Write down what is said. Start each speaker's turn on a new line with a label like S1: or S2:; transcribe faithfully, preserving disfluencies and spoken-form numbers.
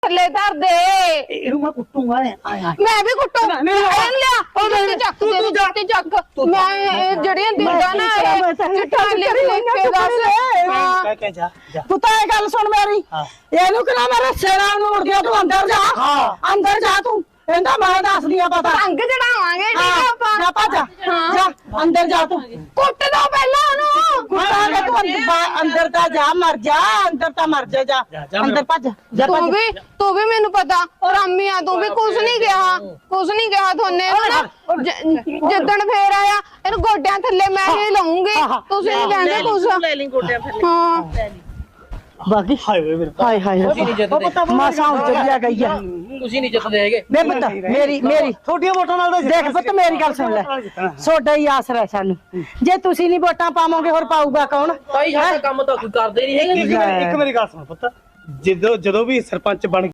S1: ਥੱਲੇ ਧਰ ਦੇ।
S2: ਇਹਨੂੰ ਮੈਂ ਕੁੱਟੂਗਾ ਆਇਆ
S1: ਮੈਂ ਵੀ ਕੁੱਟੂ ਐਨ ਲਿਆ ਉਹ ਜੁੱਤੀ ਚੱਕ ਦੇ ਜੁੱਤੀ ਚੱਕ ਮੈਂ ਜਿਹੜੀਆਂ ਦਿੰਦਾ ਨਾ ਇਹ ਚਿੱਟਾ ਲਿਖ ਲਿਖ ਕੇ ਦੱਸ ਹਾਂ
S2: ਕਹਿ ਕੇ ਜਾ ਜਾ
S3: ਤੂੰ ਤਾਂ ਇਹ ਗੱਲ ਸੁਣ ਮੇਰੀ ਇਹਨੂੰ ਕਿਹਾ ਮੇਰੇ ਸੇਰਾ ਨੂੰ ਮੁੜ ਗਿਆ ਤੂੰ ਅੰਦਰ ਜਾ ਅੰਦਰ ਜਾ ਤੂੰ ਕਹਿੰਦਾ ਮੈਂ ਦੱਸਦੀ ਆ ਪਤਾ
S1: ਰੰਗ ਚੜਾਵਾਂਗੇ ਠੀਕ ਆ ਆਪਾਂ
S3: ਜਾ ਭੱਜ ਜਾ ਅੰਦਰ ਜਾ ਤੂੰ
S1: ਕੁੱਟ ਦੋ ਪਹਿਲਾਂ ਉਹਨੂੰ
S3: ਕੁੱਟਾਂਗੇ ਤੂੰ ਅੰਦਰ- ਅੰਦਰ ਤਾਂ ਜਾ ਮਰ ਜਾ ਅੰਦਰ ਤਾਂ ਮਰ ਜਾ ਜਾ ਅੰਦਰ ਭੱਜ ਜਾ
S1: ਤੂੰ ਵੀ ਤੂੰ ਵੀ ਮੈਨੂੰ ਪਤਾ ਰਾਮੀ ਆ ਤੂੰ ਵੀ ਕੁਝ ਨਹੀਂ ਕਿਹਾ ਕੁਝ ਨਹੀਂ ਕਿਹਾ ਥੋਨੇ ਜਿੱਦਣ ਫੇਰ ਆਇਆ ਇਹਨੂੰ ਗੋਡਿਆਂ ਥੱਲੇ ਮੈਂ ਹੀ ਲਾਉਂਗੀ ਤੁਸੀਂ ਨਹੀਂ ਕਹਿੰਦੇ ਕੁਝ
S4: ਲੈ ਲਈ ਗੋਡਿਆਂ ਥੱਲੇ
S1: ਹਾਂ
S3: ਬਾਕੀ
S2: ਹਾਏ ਵੇ ਮੇਰੇ
S3: ਹਾਏ ਹਾਏ
S4: ਤੁਸੀਂ ਨਹੀਂ ਜਿੱਤਦੇ
S3: ਮਾਸਾ ਉੱਜ ਗਿਆ ਗਈ ਆ
S4: ਤੁਸੀਂ ਨਹੀਂ ਜਿੱਤਦੇ ਹੈਗੇ
S3: ਬੇ ਪੁੱਤ ਮੇਰੀ ਮੇਰੀ
S2: ਥੋੜੀਆਂ ਵੋਟਾਂ ਨਾਲ ਤਾਂ
S3: ਦੇਖ ਪੁੱਤ ਮੇਰੀ ਗੱਲ ਸੁਣ ਲੈ ਸੋਡਾ ਹੀ ਆਸਰਾ ਹੈ ਸਾਨੂੰ ਜੇ ਤੁਸੀਂ ਨਹੀਂ ਵੋਟਾਂ ਪਾਵੋਗੇ ਹੋਰ ਪਾਊਗਾ ਕੌਣ
S4: ਤਾਈ ਸਾਡਾ ਕੰਮ ਤਾਂ ਕੋਈ ਕਰਦੇ ਨਹੀਂ ਹੈਗੇ
S2: ਇੱਕ ਇੱਕ ਮੇਰੀ ਗੱਲ ਸੁਣ ਪੁੱਤ ਜਦੋਂ ਜਦੋਂ ਵੀ ਸਰਪੰਚ ਬਣ